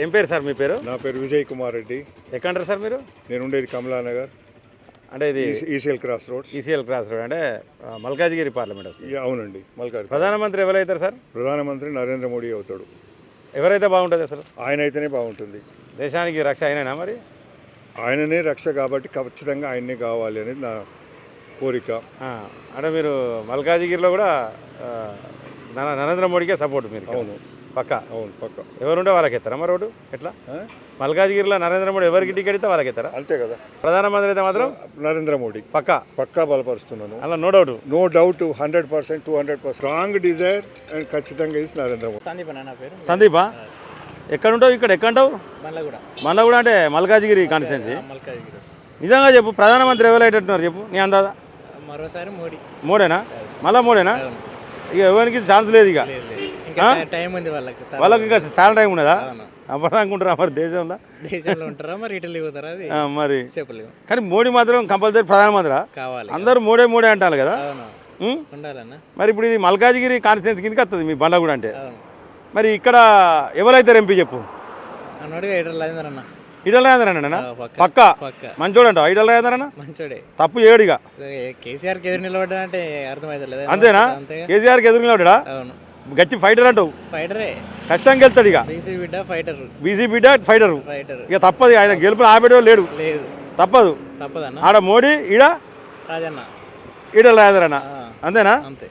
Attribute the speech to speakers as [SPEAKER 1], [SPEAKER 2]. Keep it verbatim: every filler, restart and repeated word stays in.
[SPEAKER 1] ఏం పేరు సార్ మీ పేరు?
[SPEAKER 2] నా పేరు విజయ్ కుమార్ రెడ్డి.
[SPEAKER 1] ఎక్కడంటారు సార్ మీరు?
[SPEAKER 2] నేను ఉండేది కమలానగర్,
[SPEAKER 1] అంటే ఇది
[SPEAKER 2] ECL cross roads.
[SPEAKER 1] ECL cross road అంటే ఆ, మల్కాజిగిరి పార్లమెంట్ వస్తుంది.
[SPEAKER 2] యా, అవునండి. మల్కాజ్
[SPEAKER 1] ప్రధానమంత్రి ఎవరైతారు సార్?
[SPEAKER 2] ప్రధానమంత్రి నరేంద్ర మోడీ అవుతాడు.
[SPEAKER 1] ఎవరైతే బాగుంటుంది అసలు?
[SPEAKER 2] ఆయన అయితేనే బాగుంటుంది.
[SPEAKER 1] దేశానికి రక్ష అయినా మరి?
[SPEAKER 2] ఆయననే రక్ష కాబట్టి ఖచ్చితంగా ఆయన్నే కావాలి అనేది నా కోరిక.
[SPEAKER 1] ఆ, అంటే మీరు మల్కాజిగిరిలో కూడా ఆ, నర- నరేంద్ర మోడీకే సపోర్ట్ మీరు?
[SPEAKER 2] అవును
[SPEAKER 1] పక్క
[SPEAKER 2] అవును పక్క.
[SPEAKER 1] ఎవరుంటే వాళ్ళకి ఎత్తారా మరి ఓటు? ఎట్లా
[SPEAKER 2] ఆ?
[SPEAKER 1] మల్కాజిగిరిలో నరేంద్ర మోడీ ఎవరికి టికెట్ ఇస్తే వాళ్ళకి ఎత్తారా?
[SPEAKER 2] అంతే కదా.
[SPEAKER 1] ప్రధానమంత్రి అయితే మాత్రం
[SPEAKER 2] నరేంద్ర మోడీ
[SPEAKER 1] పక్క
[SPEAKER 2] పక్కా బలపరుస్తున్నాను.
[SPEAKER 1] అలా no doubt.
[SPEAKER 2] No doubt, hundred percent two hundred percent strong desire and ఖచ్చితంగా ఇస్ నరేంద్ర మోడీ.
[SPEAKER 3] సందీప్ అన్న నా పేరు.
[SPEAKER 1] సందీపా? ఎక్కడ ఉంటావు? ఇక్కడ ఎక్కడ ఉంటావు?
[SPEAKER 3] మళ్ళీ కూడా
[SPEAKER 1] మళ్ళీ కూడా అంటే మల్కాజిగిరి కాన్స్టిట్యున్సీ.
[SPEAKER 3] మల్కాజ్గిరి వస్తుంది.
[SPEAKER 1] నిజంగా చెప్పు, ప్రధానమంత్రి ఎవరు అయ్యేటట్టున్నారు చెప్పు నీ అందాజా?
[SPEAKER 3] మరోసారి మోడీ.
[SPEAKER 1] మోడేనా? మళ్ళా మోడేనా?
[SPEAKER 3] అవును.
[SPEAKER 1] ఇక ఎవరికి ఛాన్స్ లేదు ఇక.
[SPEAKER 3] లేదు, లేదు. ఇంకా టైం ఉంది వాళ్ళకి.
[SPEAKER 1] వాళ్ళకి ఇంకా చాలా టైం ఉన్నదా?
[SPEAKER 3] అవును.
[SPEAKER 1] అప్పటిదాకుంటారా మరి దేశంలో?
[SPEAKER 3] దేశంలో ఉంటారా మరి ఇటలీ పోతారా? అది
[SPEAKER 1] ఆ, మరి
[SPEAKER 3] చెప్పలేము.
[SPEAKER 1] కానీ మోడీ మాత్రం కంపల్సరీ ప్రధానమంత్రి.
[SPEAKER 3] కావాలి.
[SPEAKER 1] అందరూ మోడే మోడే అంటారు కదా.
[SPEAKER 3] అవును,
[SPEAKER 1] ఉం?
[SPEAKER 3] ఉండాలన్న.
[SPEAKER 1] మరి ఇప్పుడు ఇది మల్కాజిగిరి కాన్స్టిట్యున్సీ కిందకి వస్తుంది మీ బండ్లగూడ అంటే.
[SPEAKER 3] అవును.
[SPEAKER 1] మరి ఇక్కడ ఎవరైతే ఎంపీ చెప్పు?
[SPEAKER 3] అన్నోడిగా ఇటలీ రాజేంద్ర అన్న.
[SPEAKER 1] ఈడల రాజేంద్రనా?
[SPEAKER 3] ఆ, పక్క.
[SPEAKER 1] పక్క
[SPEAKER 3] పక్క
[SPEAKER 1] మంచోడు అంటావు ఈడల రాజేంద్రనా?
[SPEAKER 3] మంచోడే.
[SPEAKER 1] తప్పు ఏడుగా
[SPEAKER 3] కేసీఆర్కి ఎదురు నిలబడ్డా అంటే అర్థమవుతలేదు.
[SPEAKER 1] అంతేనా?
[SPEAKER 3] అంతేగా.
[SPEAKER 1] కేసీఆర్కి ఎదురుగా
[SPEAKER 3] అవును,
[SPEAKER 1] గట్టి ఫైటర్ అంటావు.
[SPEAKER 3] ఫైటరే.
[SPEAKER 1] ఖచ్చితంగా గెలుతాడు ఇక.
[SPEAKER 3] బీసీ బిడ్డ ఫైటర్.
[SPEAKER 1] బీసీ బిడ్డ ఫైటరు.
[SPEAKER 3] ఫైటర్
[SPEAKER 1] ఇక తప్పదు, ఆయన గెలుపుని ఆపేటో లేడు.
[SPEAKER 3] లేదు,
[SPEAKER 1] తప్పదు.
[SPEAKER 3] తప్పదన్న.
[SPEAKER 1] ఆడ మోడీ, ఈడ
[SPEAKER 3] రాజన్న.
[SPEAKER 1] ఈడ రాజేంద్రనా?
[SPEAKER 3] ఆ,
[SPEAKER 1] అంతేనా?
[SPEAKER 3] అంతే.